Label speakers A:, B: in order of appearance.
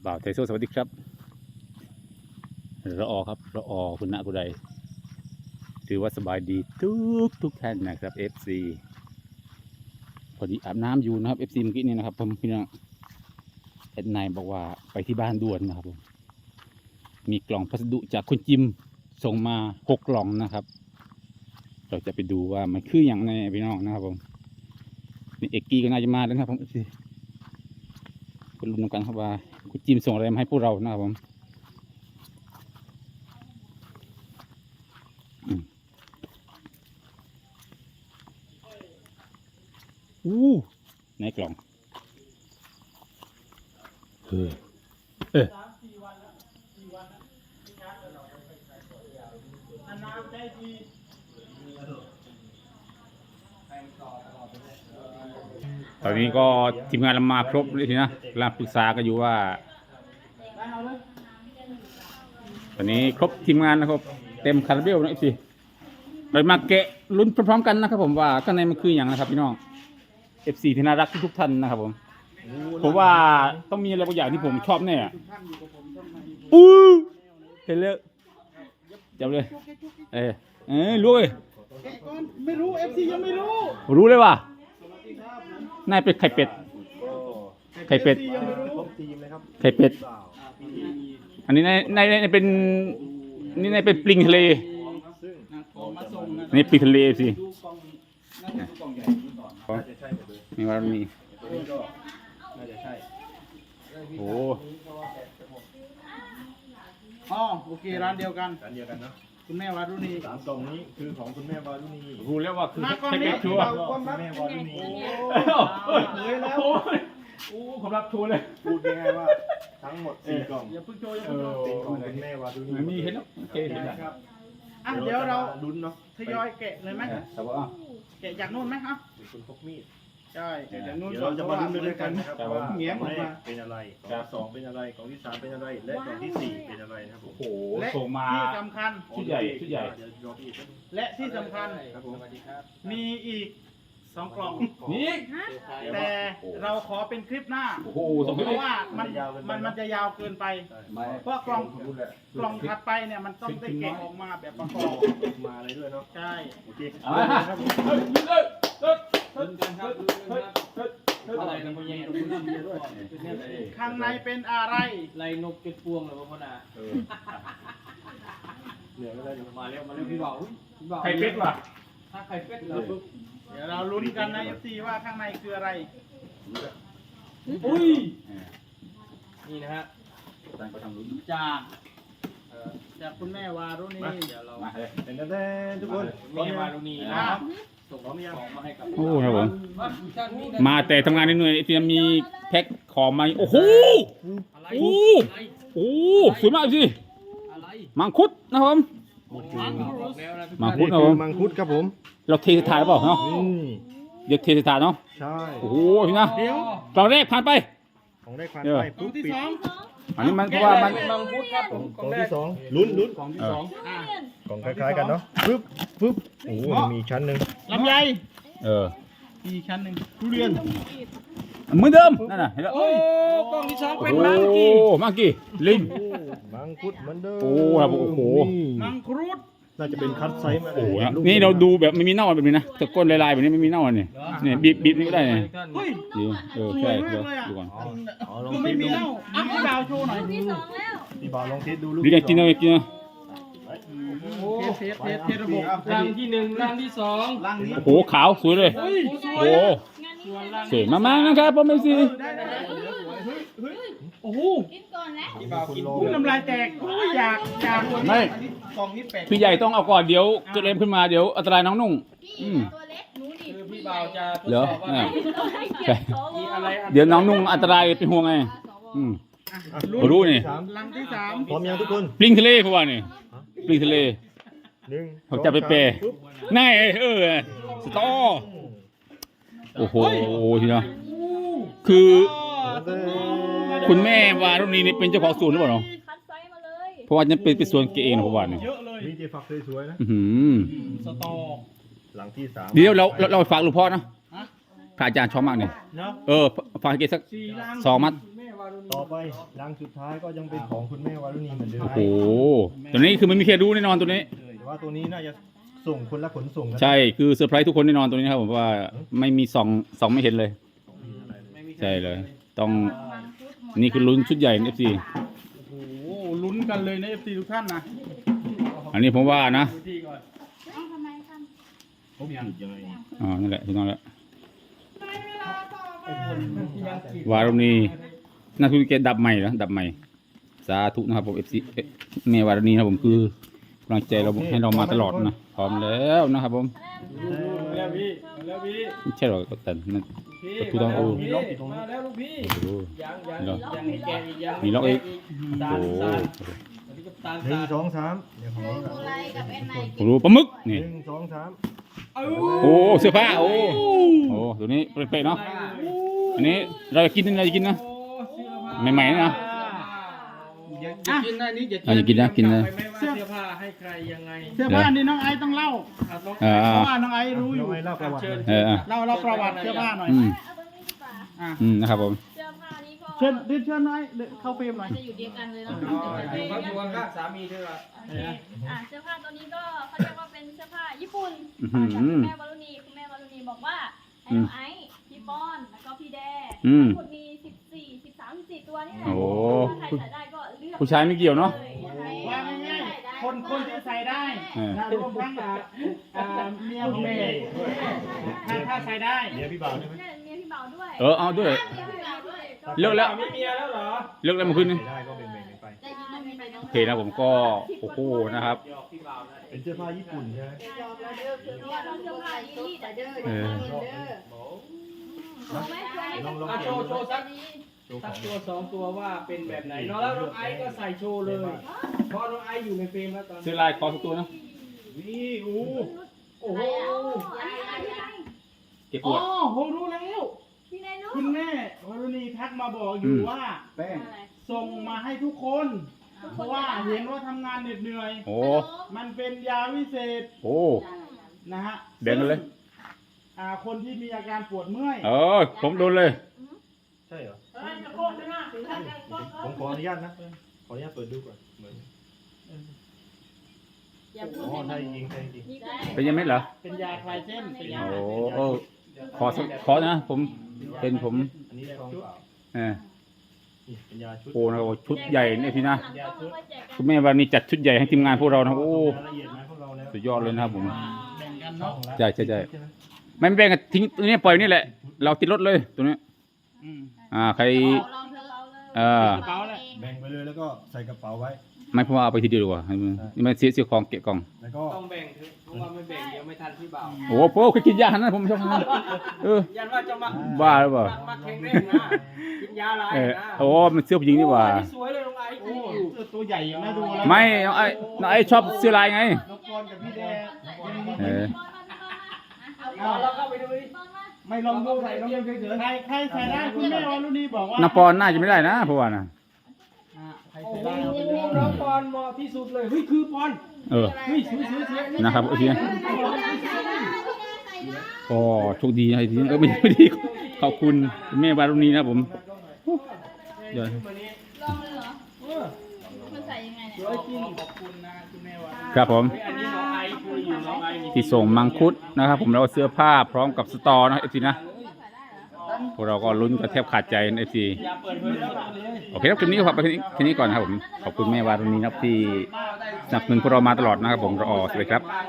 A: บ่าวไทโซสวัสดีครับระออครับระออคุณณกุไดถือว่าสบายดีทุกท่านนะครับ FC พอดีอาบน้ำอยู่นะครับ FC เมื่อกี้นี้นะครับผมพี่น้องแอดไนบอกว่าไปที่บ้านด่วนนะครับผมมีกล่องพัสดุจากคุณจิมส่งมา6 กล่องนะครับ เราจะไปดูว่ามันคืออย่างไรพี่น้องนะครับผมนี่เอกกี้ก็น่าจะมาแล้วนะครับผม FC คุณลุ้นกันครับว่าคุณจิมส่งอะไรมาให้พวกเรานะครับผมในกล่องตอนนี้ก็ทีมงานเรามาครบเลยทีนะกำลังปรึกษากันอยู่ว่าตอนนี้ครบทีมงานนะครับเต็มคาราเบลนะสิเรามาแกะลุ้นพร้อมๆกันนะครับผมว่าข้างในมันคืออย่างนะครับพี่น้อง FC ที่น่ารักทุกท่านนะครับผมว่าต้องมีอะไรบางอย่างที่ผมชอบแน่เห็นเลยจับเลยรู้เลย
B: ไม่รู้ FC ยังไม่
A: รู้เลยว่ะน่าเป็นไข่เป็ดไข่เป็ดอันนี้ในเป็นนี่ในเป็นปลิงทะเลนี่ปลิงทะเลสินี่ว่ามีโอ้
B: โอเคร้านเดียวกัน
C: นะ
B: คุณแม่วารุณี
C: 3 กล่องนี้คือของคุณแม่วารุณี
A: รู้แล้วว่าคือไข่เป็ดชัวร์
C: คุณแม่วารุณี
B: เลยแล้ว
A: ผมรับชัวร์เลย
C: พูดง่ายๆว่าทั้งหมด4 กล่อง
B: อย่าพึ่งโชว์อย่าพึ่งโชว์
C: เป็นของคุณแม่วารุณี
A: มีเห็นแล้วโอเคเห็นแล้ว
B: ครับเดี๋ยวเรา
C: ลุ้นเนาะ
B: ทยอยแกะเลยไหมแกะจากนู่นไหมครับ
C: คุณพกมีด
B: ใช่แกะจากนู่น
C: เราจะมาลุ้นด้วยกันนะครับว่า
B: เงี้ยผมมา
C: เป็นอะไรกล่องที่ 2เป็นอะไรกล่องที่ 3เป็นอะไรและกล่องที่ 4เป็นอะไรนะครับผม
A: โอ้โห
B: และ
A: ส่งมา
B: ที่สำคัญ
A: ชุดใหญ่
B: และที่สำคัญมีอีก2 กล่อง
A: นี่
B: แต่เราขอเป็นคลิปหน้าเพราะว่ามันจะยาวเกินไปเพราะกล่องถัดไปเนี่ยมันต้องได้แกะออกมาแบบประกอบ
C: มาเลยด้วยเนาะ
B: ใช่
C: โอเค
B: ข้างในเป็นอะไร
D: ไรนกเก็บพวงเลยพ่อนา
C: เหนื่อยแล้ว
D: มาเร็วพี่บ่าว
A: ไข่เป็ดว่ะ
D: ถ้าไข่เป็ดเรา
B: เดี๋ยวเราลุ้นกันนะFCว่าข้างในคืออะไร
D: อุ้ยนี่นะฮะ
B: จากคุณแม่วารุณี
C: เดี๋ยวเราเป็นแน่ทุกคน
D: แม่วารุณีนะครับส่งของมาให้กับ
A: โอ้ครับผมมาแต่ทำงานเหนื่อยๆที่มีแพ็คของมาโอ้โหสวยมากสิมังคุดนะครับผมมังคุดครับผม
C: มังคุดครับผม
A: เราเทสถานเปล่าเนาะเดี๋ยวเทสถานเนาะ
C: ใช่
A: โอ้โหพี่นะกล่องแรกผ่านไป
C: ของได้ผ่านไป
B: กล่องที่ 2
A: อันนี้มันเพราะว่ามัน
D: มังคุดครับ
C: กล่องที่ 2ลุ้น
B: กล่องที่ 2
C: กล่องคล้ายๆกันเนาะปึ๊บโอ้มีชั้นหนึ่ง
B: ลำไย
C: มี
B: ชั้นหนึ่ง
C: ทุเรียน
A: เหมือนเดิมนั่นน่ะเห็นแล้ว
B: โอ้กล่องที่ 2เป็นมังกี้
A: ลิง
C: มังคุดเหมือนเดิม
A: โอ้ครับโอ้โห
B: มังคุด
C: น่าจะเป็นคัตไซส์มา
A: โอ้นี่เราดูแบบไม่มีเน่าแบบนี้นะแต่ก้นลายๆแบบนี้ไม่มีเน่าเนี่ยเนี่ยบีบนี่ก็ได้เนี่ย
B: เฮ้ย
A: ใช่ดูก่อน
B: คือไม่มีเน่าพี่บ่าวโชว์หน่อย
C: พี่บ่าวลองเทสดูลูก
A: ดีกันกินเลยกินเลย
B: เทระบบ
D: รังที่ 1รังที่ 2
B: รังนี้
A: โอ้โหขาวสวยเลยโอ้สวยมากๆนะครับพ่อแม่ซี
B: โอ้โห
E: กินก่อนนะ
B: พี่บ่าวกินน้ำลายแตกอยาก
A: ไม่พี่ใหญ่ต้องเอาก่อนเดี๋ยวเกิดอะไรขึ้นมาเดี๋ยวอันตรายน้องนุ่ง
E: ตัวเล็กหนูดิ
D: พี่บ่าวจะทด
A: ส
D: อบว่า
A: เดี๋ยวน้องนุ่งอันตรายเป็นห่วงไงรู้นี่
B: ลังที่ 3
C: พร้อมยังทุกคน
A: ปลิงทะเลเขาว่านี่ปลิงทะเลเขาจะไปเปย์ง่ายสตอโอ้โหทีนะคือคุณแม่วารุณีนี่เป็นเจ้าของสวนหรือเปล่าเนาะเพราะว่าจะเป็นสวนเกเองนะผมว่าเนี่ย
B: เยอะเลย
C: มีเจฝักสวยๆนะ
B: สตอ
C: หลังที่ 3
A: เดี๋ยวเราฝากหลวงพ่อนะพระอาจารย์ชอบมากเนี่ยฝากเกสัก2 มัด
D: ารุณี
C: ต่อไปรังสุดท้ายก็ยังเป็นของคุณแม่วารุณีเหมือนเดิม
A: โอ้โหตัวนี้คือมันมีใครรู้แน่นอนตัวนี้
C: แต่ว่าตัวนี้น่าจะส่งคนละขนส่งกัน
A: ใช่คือเซอร์ไพรส์ทุกคนแน่นอนตัวนี้นะครับผมว่าไม่มีส่องไม่เห็นเลย ใช่เลย ต้องนี่คือลุ้นชุดใหญ่ใน FC
B: โอ้โหลุ้นกันเลยนะ FC ทุกท่านนะ
A: อันนี้ผมว่านะ
B: ดูที่ก่อน
E: เอ้าทำไมท
C: เขาผิดยังไง
A: อ๋อนั่นแหละถูกต้องแล้ว
D: ยังกิน
A: วารุณีน่าทุกเกตดับใหม่แล้วดับใหม่สาธุนะครับผม FC เมวารุณีนะครับผมคือกำลังใจเราให้เรามาตลอดนะพร้อมแล้วนะครับผม
D: แล้วพี่แล้วพี่
A: ไม่ใช่หรอกแต่นั่น
D: พี่
A: ถูกต้อง
D: มาแล้วพี่มาแล้วลูกพี่
A: โอ้โห
D: ยังให้แกอีกยัง
A: มีล็อกอีก
D: ตา
A: โอ้
D: ล
A: โห
D: ตาลอันนี้ก็ตาล
C: หนึ่ง
D: ตาล
C: สองสามเดี๋ยวของ
E: ำ
C: น้อง
E: โบไลกับแอนไน
A: ผมรู้ปลาหมึก
C: ห
A: นี่
C: นึ่งสองสาม
A: โอ้เสื้อผ้าโอ้โหตัวนี้เป๊ะๆเนาะอันนี้เราจะกินอะไรจะกินนะ
D: โอ้เสื้อผ้า
A: ใหม่ๆนะ
D: อย่ากินนะนี่อย่า
A: อย่ากินนะกินนะ
D: ไม่ว่าเสื้อผ้าให้ใครยังไง
B: เสื้อผ้านี่น้องไอซ์ต้องเล่า
D: ครับน้อง
A: เออ
B: เพราะว่าน้องไอซ์รู้อ
C: น้
B: ยู่
C: องไอ้เล่าประวัติเลย
A: เออ
B: เล่าประวัติเสื้อผ้าหน่อย
A: อืม
E: เอาตรงนี้ดีกว่า
B: อ่ะ
A: นะครับผม
E: เสื้อผ้านี้ก็
B: เชิญเชิญน้อยเข้าเฟรมหน่อย
E: จะอยู่เดียวกันเลยเนาะ
D: อยู่บ้านอยู่ข้างๆสามีเธออะ
E: โอเคเสื้อผ้าตัวนี้ก็เขาเรียกว่าเป็นเสื้อผ้าญี่ปุ่น
A: อื้อหือ
E: จากคุณแม่วารุณีคุณแม่วารุณีบอกว่าให้น้องไอซ์พี่ป้อนแล้วก็พี่แด
A: อืม
E: ทั้งหมดมี14 ตัวนี่แหละ
A: โอ้
E: ถ้าใครใส่ได้ก็เลือก
A: ผู้ชายไม่เกี่ยวเนอะ
B: ว่าง่ายๆคนที่ใส่ได้
A: เออ
B: นะรวมทั้งเมียของเมย์ถ้าใส่ได้
C: เดี๋ยวพี่บ่าวได้ไหม
E: เนี่ยเมียพี่เบาด้วย
A: เอาด้วย
E: เมียพี่เบาด้วย
A: เลิกแล้ว
D: มีเมียแล้วเหรอ
A: เลิกแล้วเมื่อคืนนี้
C: ใส่ได้ก็แบ่งๆกันไป
E: ได้ยินไหมไปน้อง
A: โอเคนะผมก็โอ้โหนะครับ
D: หยอกพี่บ่าวนะ
C: เป็นเสื้อผ้าญี่ปุ่นใช่ไหม
E: ยอมแล้วเด้อคือเนี่ยเราเสื้อผ้าอีลี่แต่เด้อ
A: เออ
E: เอาไหมเพื่อน
C: ลอง
D: อ่ะโชว์สัก
C: โชว์ข
D: สั
C: อก ง
D: ตัวสองตัวว่าเป็นแบบไหนเนาะแล้วน้องไอซ์ก็ใส่โชว์เลยเพราะน้องไอซ์อยู่ในเฟรมแล้วตอน
A: ซื้
D: นี้
A: อลายคอสักตัวนะ
C: นี่อู้
D: โอ้โห
E: อันนี้อะไรพี่นาย
A: เก็บป
B: อ๋อ
A: วด
B: ผมรู้แล้ว
E: พี่นายรู้
B: คุณแม่วรุณีทักมาบอกอยู่ว่า
A: แป้ง
B: ส่งมาให้ทุกคน เพราะว่าเห็นว่าทำงานเหน็ดเหนื่อย
A: โอ้
B: มันเป็นยาวิเศษ
A: โอ้
B: นะฮะ
A: แบ่งกันเลย
B: คนที่มีอาการปวดเมื่อย
A: ผมโดนเลย
C: ใช่เหรอผมขออนุญาตนะขออนุญาตเปิดดูก่อนเหมือน
E: อย่าพู
C: อ๋
E: ด
C: อ
E: ให้
C: ใช่
E: มัน
C: จริงใช่จริง
E: นี่ได้
A: เป็นยังไงเหรอ
B: เป็นยาคลายเส้นเป็นยา
A: โอ้ขอนะผมเป็นผม
C: อันนี้ซองเปล่า
A: เออ
C: นี่เป็นยาชุด
A: โอ้นะครับชุดใหญ่เนี่ยพี่นะ
E: หลังต้องมาแจกกัน
A: คุณแม่วันนี้จัดชุดใหญ่ให้ทีมงานพวกเรานะโอ้
C: รายละเอียดไหมพวกเราแล้ว
A: สุดยอดเลยนะครับผม
B: แบ่งกันเนาะ
A: ใช่ไม่แบ่งกันทิ้งตัวนี้ปล่อยนี่แหละ เราติดรถเลยตัวนี้
B: อืม
A: ใคร
E: เราเธอเราเลย
A: เออ
B: กระเป๋าแหละ
C: แบ่งไปเลยแล้วก็ใส่กระเป๋าไว้
A: ไม่เพราะว่าเอาไปทีเดียวดีกว่าให้มันนี่มันเสียของเกะกล่อง
C: แล้วก็
D: ต้องแบ่งเถอะเพราะว่าไม่แบ่งเดี๋ยวไม่ทันพี่บ่าว
A: โอ้โหเคยกินยาขนาดนั้นผมไม่ชอบขนาดนั้น
D: ยันว่าจะมา
A: บ้าหรือเปล่า
D: มาแข่งเล่นนะกินยาอะไร
A: เออ
D: นะ
A: โอ้มันเสื้อผู้หญิงนี่หว่า
D: โอ้นี่สวยเลยน้องไอซ์
B: โอ้เสื้อตัวใหญ่อยู่นะดูแล้ว
A: ไม่น้องไอ้ชอบเสื้อลายไง
B: น้องปอนกับพี่แดง
A: เออ
D: เอาเราเข้าไปดูดิ
B: ไม่ลองดูใส่ลองดูเฉยๆใครใส่ได้คุณแม่วรุณีบอกว่า
A: น้าปอนน่าจะไม่ได้นะเพราะว่านะ
B: ใคร
D: โอ้
B: ใส่
D: โห
B: ได้เอาไปเลย
D: น้องปอนเหมาะที่สุดเลยเฮ้ยคือปอน
A: เออ
D: เฮ้ยสวย
A: นะครับโอเคก็โชคดีนะทีนี้ไม่ดีขอบคุณคุณแม่วารุณีนะครับผมเดี๋ยว
D: มานี้
E: ลองเลยเหรอ
D: เออ
E: มันใส่ยังไงเนี่ย
D: สวยจริง
B: ขอบคุณนะคุณแม่วรุณี
A: ครับผม
D: เฮ้ยอันนี้น้องไอซ์คืออยู่น้องไอซ์นี่
A: ที่ส่งมังคุดนะครับผมแล้วก็เสื้อผ้าพร้อมกับสตอนะครับเอฟซีนะพวกเราก็ลุ้นกันแทบขาดใจในเอฟซี
D: อย่าเปิดเผยแล้วล่ะเลย
A: โอเคครับคลิปนี้ก็ฝากไปแค่นี้ก่อนนะครับผมขอบคุณแม่วารุณีนะครับที่สนับสนุนพวกเรามาตลอดนะครับผมรอสวัสดีครับ